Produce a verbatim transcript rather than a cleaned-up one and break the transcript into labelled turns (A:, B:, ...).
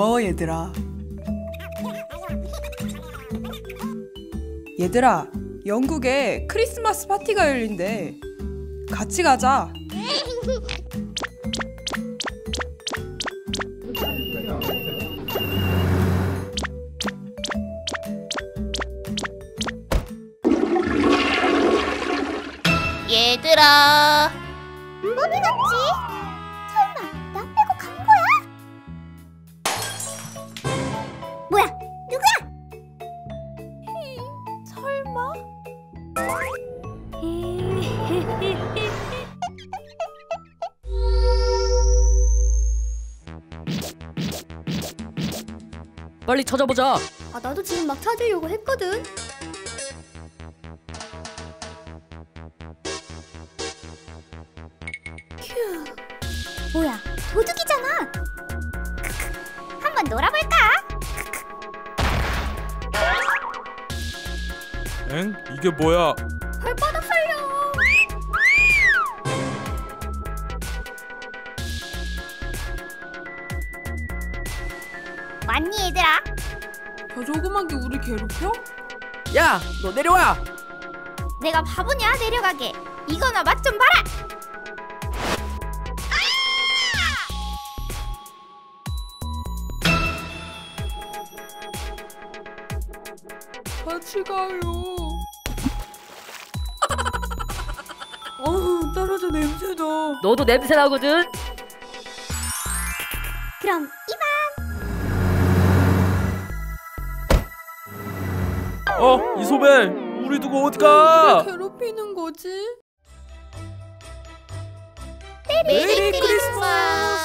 A: 고마워 얘들아. 얘들아, 영국에 크리스마스 파티가 열린대. 같이 가자.
B: 얘들아,
C: 어디 갔지? 설마 나 빼고 간 거야? 뭐야? 누구야? 설마?
D: 빨리 찾아보자.
C: 아, 나도 지금 막 찾으려고 했거든. 휴, 뭐야, 도둑이잖아. 한번 놀아볼까?
E: 엥? 이게 뭐야?
C: 발바닥 살려. 왔니 얘들아?
A: 저 조그만 게 우리 괴롭혀?
D: 야, 너 내려와.
C: 내가 바보냐? 내려가게. 이거나 맛 좀 봐라.
A: 같이 가요. 어우, 떨어져 냄새나.
D: 너도 냄새 나거든.
C: 그럼 이만.
E: 어? 이소벨! 우리 두고 어디 가?
A: 괴롭히는 거지?
C: 메리
A: 메리
C: 크리스마스.